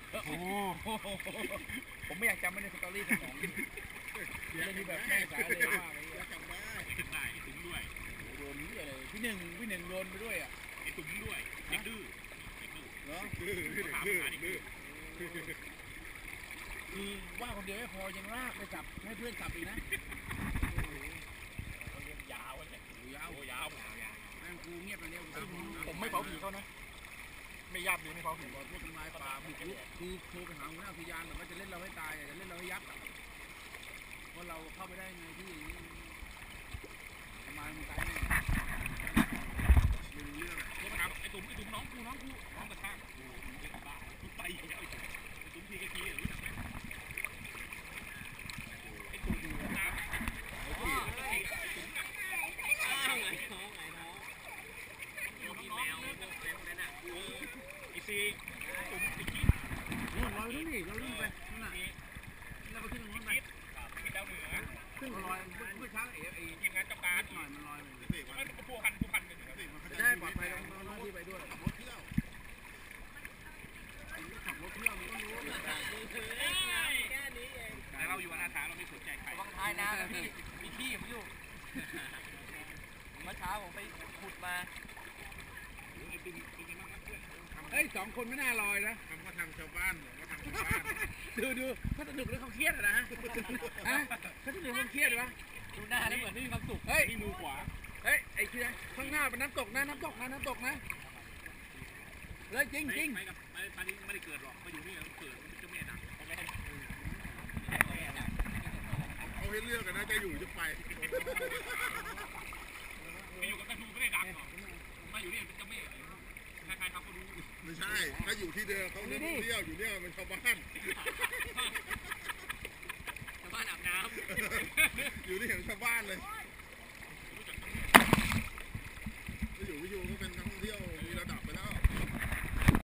โอ้ผมไม่อยากจำไม่ได้สตอรี่สมองเดี๋ยวนี้แบบแม่สายเลยว่าจำได้ได้ไอ้ตุ้มด้วยโดนนี้เลยพี่หนึ่งโดนไปด้วยอ่ะไอ้ตุ้มด้วยเด็กดื้อเหรอคือว่าคนเดียวไม่พอยังลากไปจับให้เพื่อนจับอีกนะยาวเลยยาวแม่งกูเงียบไปเร็วผมไม่เผาผีเขานะไม่ยับเลยไม่เผาผีพวกทำลายป่าบุกรุกคือโทรไปหาหัวหน้าอุทยานแบบว่าจะเล่นเราให้ตายจะเล่นเราให้ยับว่าเราเข้าไปได้ไงที่ทำไมมึงตายเนี่ยไม่รู้เรื่องโทรไปถามไอ้ตุ้มน้องกระชากกูเป็นบ้ากูไปแล้วไอ้ตุ้มพีกะทีรู้จักไหมไอ้ตุ้มน้ำไอ้ตุ้มไงน้องมีแมวพวกนั้นอ่ะไอ้ซีตุ้มไอ้กิ๊บเราขึ้นดิเราขึ้นไปนั่นน่ะเราก็ขึ้นตรงนั้นไปที่ดาวเหนือขึ้นลอยเมื่อเช้าทีมงานจับการหน่อยมันลอยมันผู้พันกันได้ปลอดภัยน้องที่ไปด้วยรถเที่ยวขับรถเที่ยวมันก็รู้แต่เราอยู่อนาถาเราไม่สนใจใครบางท้ายนะพี่มีขี้ผมอยู่เมื่อเช้าผมไปขุดมาเฮ้ย2 คนไม่น่าลอยนะทำก็ทำชาวบ้านดูเขาสนุกหรือเขาเครียดนะฮะเขาสนุกเขาเครียดวะดูหน้าแล้วเหมือนไม่มีความสุขเฮ้ยนี่มือขวาเฮ้ยไอ้เชี่ยข้างหน้าเป็นน้ำตกนะเลยจริงไปกับตอนนี้ไม่ได้เกิดหรอกมาอยู่นี่เกิดมันจะแม่ดังเขาให้เลือกกันนะจะอยู่จะไปอยู่กับตะทูไม่ได้ดังหรอกมาอยู่นี่เป็นเจ้าแม่ใครๆเขาก็รู้ไม่ใช่ถ้าอยู่ที่เดิมเขาเที่ยวอยู่เนี่ยมันชาวบ้านอาบน้ำอยู่ที่เห็นชาวบ้านเลย